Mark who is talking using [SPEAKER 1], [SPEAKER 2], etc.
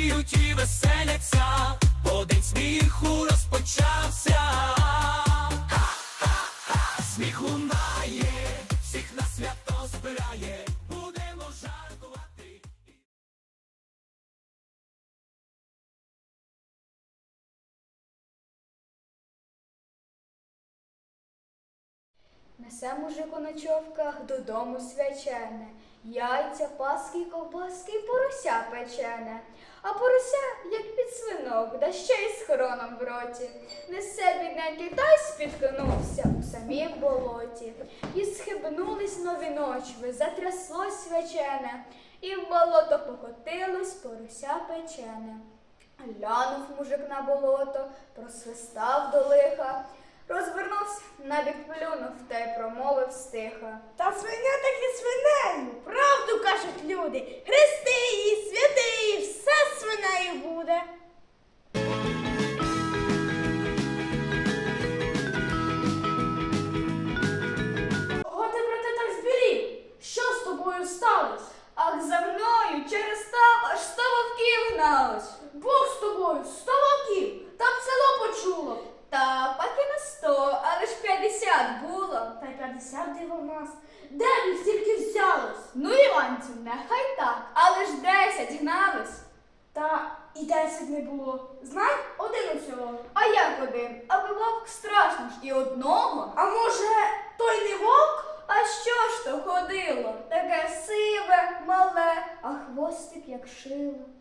[SPEAKER 1] радіють і веселяться, бо день сміху розпочався. Ха-ха-ха, сміх лунає, всіх на свято збирає, будемо жартувати.
[SPEAKER 2] Несе мужик у ночовках додому свячене, яйця, паски, ковбаски, порося печене. А порося, як підсвинок, да ще й з хроном в роті. Несе бідненький та й спіткнувся у самім болоті. І схибнулись нові ночви, затряслось свячене, і в болото покотилось порося печене. Глянув мужик на болото, просвистав до лиха, розвернувся, набік плюнув та й промовив стиха.
[SPEAKER 3] Та свиня таки свинею, правду кажуть люди. Хрести її, святи її, все свинею буде. Ого, ти, брате, так збірів. Що з тобою сталося?
[SPEAKER 2] Ах, за мною через став аж 100 вовків гналось.
[SPEAKER 3] Бог з тобою, 100 вовків, та б село почуло.
[SPEAKER 2] Та паки на 100, але ж 50 було.
[SPEAKER 3] Та й 50 диво в нас. Де б їх стільки взялось?
[SPEAKER 2] Ну, Іванцю, нехай так, але ж 10 гнались.
[SPEAKER 3] Та і 10 не було. Знай, один усього.
[SPEAKER 2] А як один? Аби вовк страшно ж і одного.
[SPEAKER 3] А може, той не вовк?
[SPEAKER 2] А що ж то ходило? Таке сиве, мале, а хвостик як шило.